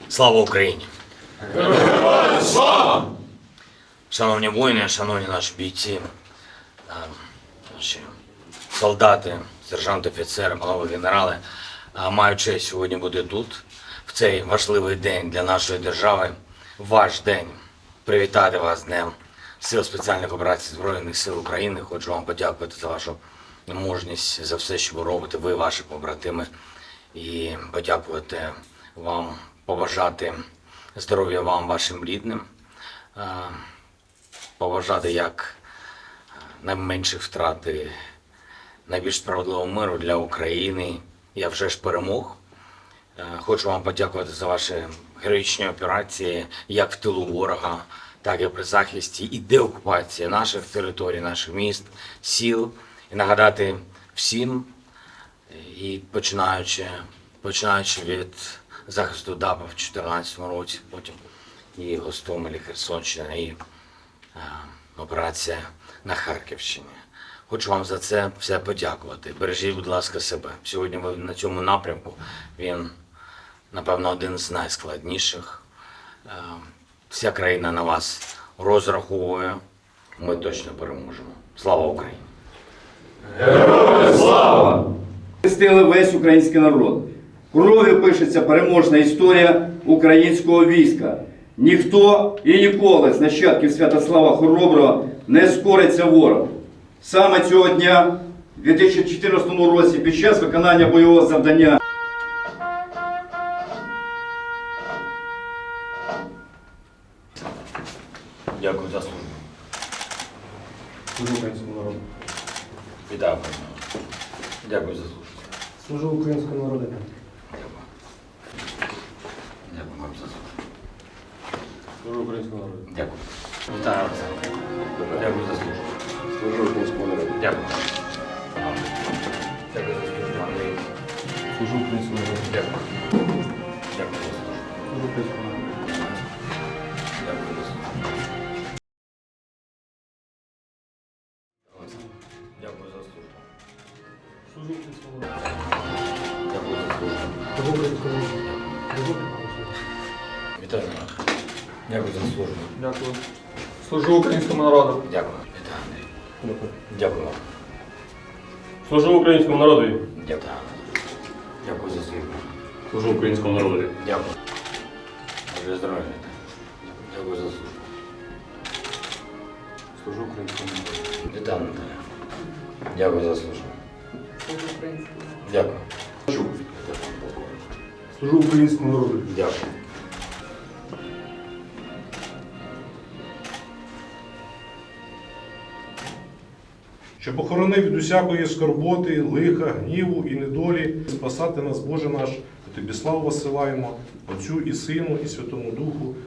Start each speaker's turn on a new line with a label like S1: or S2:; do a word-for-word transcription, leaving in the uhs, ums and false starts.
S1: Слава Україні!
S2: Героям слава!
S1: Шановні воїни, шановні наші бійці, е, наші солдати, сержанти, офіцери, панове генерали, е, маю честь сьогодні бути тут, в цей важливий день для нашої держави, ваш день, привітати вас з Днем Сил спеціальних операцій Збройних сил України. Хочу вам подякувати за вашу мужність, за все, що ви робите, ви, ваші побратими, і подякувати вам, побажати здоров'я вам, вашим рідним, е, побажати як найменших втрат і найбільш справедливого миру для України. Я вже ж перемог. Е, Хочу вам подякувати за ваші героїчні операції, як в тилу ворога, так і при захисті і деокупації наших територій, наших міст, сіл. І нагадати всім, і починаючи, починаючи від захисту ДАПа в дві тисячі чотирнадцятому році, потім і Гостомелі, Херсонщина, і е, операція на Харківщині. Хочу вам за це все подякувати. Бережіть, будь ласка, себе. Сьогодні ви на цьому напрямку, він, напевно, один з найскладніших. Е, вся країна на вас розраховує. Ми точно переможемо. Слава Україні!
S2: Героям слава!
S3: Захистили весь український народ. Кров'ю пишеться переможна історія українського війська. Ніхто і ніколи з нащадків Святослава Хороброго не скориться ворогу. Саме цього дня, у дві тисячі чотирнадцятому році, під час виконання бойового завдання
S1: Дякую за службу.
S4: Служу українському народу.
S1: Вітаю, пане. Дякую за службу.
S4: Служу українському народу.
S1: Дякую. Дякую вам за службу.
S4: Служу українському народу.
S1: Дякую. Вітаю, Олександр. Дякую за службу.
S4: Служу українському народу.
S1: Дякую. Дякую за службу, Андрій.
S4: Служу українському народу.
S1: Дякую. Дякую за службу.
S4: Служу українському народу.
S1: Дякую за службу. Дякую за службу.
S4: Служу українському народу.
S1: Дякую за службу.
S4: Служу українському народу. Служу українському народу.
S1: Вітаю. Дякую за службу.
S4: Дякую. Служу українському народу.
S1: Дякую. Вітаю, Андрій.
S4: Дякую.
S1: Дякую вам.
S4: Служу українському народу.
S1: Дякую. Дякую за службу.
S4: Служу українському народу.
S1: Дякую. Боже здоров'я. Дякую за службу.
S4: Служу українському народу.
S1: Вітаю, Наталя. Дякую за службу.
S5: Служу українському народу.
S1: Дякую.
S4: Служу українському народу.
S1: Дякую.
S6: Щоб охоронив від усякої скорботи, лиха, гніву і недолі, спасати нас, Боже наш, Тобі славу посилаємо, Отцю і Сину, і Святому Духу,